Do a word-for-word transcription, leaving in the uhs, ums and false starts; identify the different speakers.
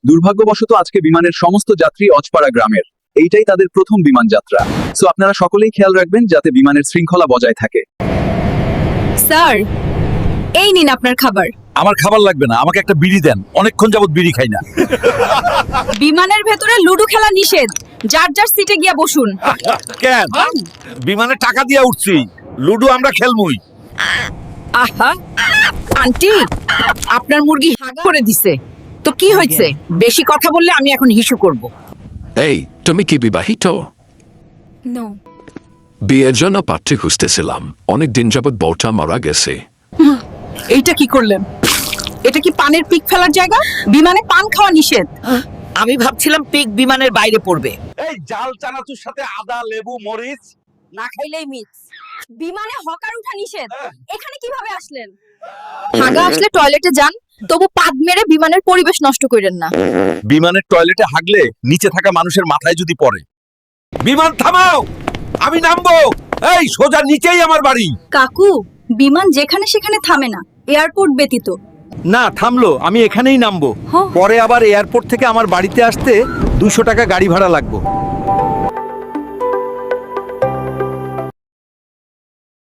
Speaker 1: দুর্ভাগ্যবশত আজকে বিমানের সমস্ত যাত্রী অজপাড়া গ্রামের। এইটাই তাদের প্রথম বিমান যাত্রা। সো আপনারা সকলেই খেয়াল রাখবেন যাতে বিমানের শৃঙ্খলা বজায় থাকে।
Speaker 2: স্যার, এই নিন আপনার খাবার।
Speaker 3: আমার খাবার লাগবে না, আমাকে একটা বিড়ি দেন, অনেকক্ষণ যাবত বিড়ি খাই না।
Speaker 2: বিমানের ভেতরে লুডো খেলা নিষেধ, যার যার সিটে গিয়া বসুন।
Speaker 3: কেন? বিমানে টাকা দিয়ে উঠছি, লুডো আমরা খেলমুই।
Speaker 2: আহা, আন্টি, আপনার মুরগি হাগা করে দিছে। তো কি হয়েছে? বেশি কথা বললে আমি এখন হিসু করব।
Speaker 4: এই, তুমি কি বিবাহিত?
Speaker 2: নো।
Speaker 4: বিয়ের জন্য পাত্রী খুঁজতেছিলাম, অনেক দিন যাবত বউটা মারা গেছে।
Speaker 2: এইটা কি করলেন? এটা কি পানের পিক ফেলার জায়গা? বিমানে পান খাওয়া নিষেধ।
Speaker 5: আমি ভাবছিলাম পিক বিমানের বাইরে পড়বে।
Speaker 3: এই জাল চানাচুর সাথে আদা, লেবু, মরিচ
Speaker 2: না খাইলেই মিস। বিমানে হকার উঠা নিষেধ, এখানে কিভাবে আসলেন? হাগা আসলে টয়লেটে যান, তবু পাদ মেরে বিমানের পরিবেশ নষ্ট করেন না।
Speaker 3: বিমানের টয়লেটে হাগলে নিচে থাকা মানুষের মাথায় যদি পড়ে। বিমান থামাও, আমি নামবো। এই সোজা নিচেই আমার বাড়ি।
Speaker 2: কাকু, বিমান যেখানে সেখানে থামে না, এয়ারপোর্ট ব্যতীত।
Speaker 6: না, থামলো, আমি এখানেই নামবো।
Speaker 2: হ্যাঁ।
Speaker 6: পরে আবার এয়ারপোর্ট থেকে আমার বাড়িতে আসতে দুশো টাকা গাড়ি ভাড়া লাগবে।